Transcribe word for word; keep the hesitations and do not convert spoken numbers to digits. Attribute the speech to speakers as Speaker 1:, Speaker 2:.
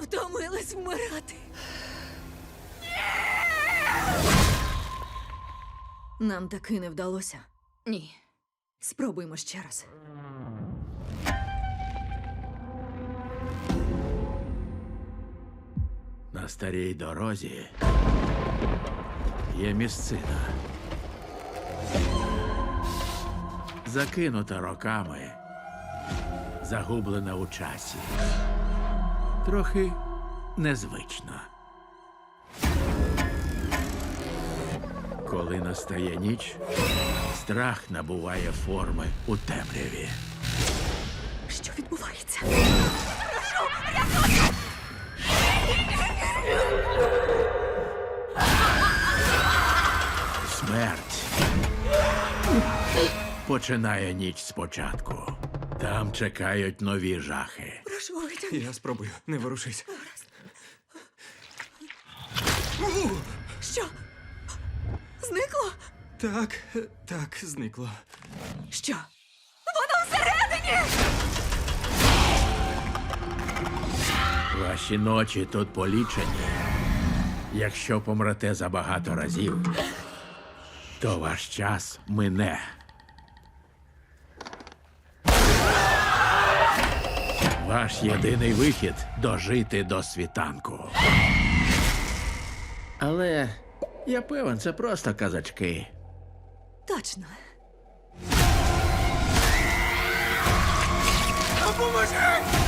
Speaker 1: Втомилась вмирати. Нам таки не вдалося.
Speaker 2: Ні.
Speaker 1: Спробуймо ще раз.
Speaker 3: На старій дорозі є місцина. Закинута роками, загублена у часі. Трохи незвично. Коли настає ніч, страх набуває форми у темряві.
Speaker 1: Що відбувається?
Speaker 3: Смерть починає ніч спочатку. Там чекають нові жахи.
Speaker 1: Прошу, витягни.
Speaker 4: Я спробую, не ворушись.
Speaker 1: Що? Зникло?
Speaker 4: Так, так, зникло.
Speaker 1: Що? Воно всередині!
Speaker 3: Ваші ночі тут полічені. Якщо помрете забагато разів, то ваш час мине. Ваш єдиний вихід – дожити до світанку. Але я певен, це просто казачки.
Speaker 1: Точно.
Speaker 4: Допоможи!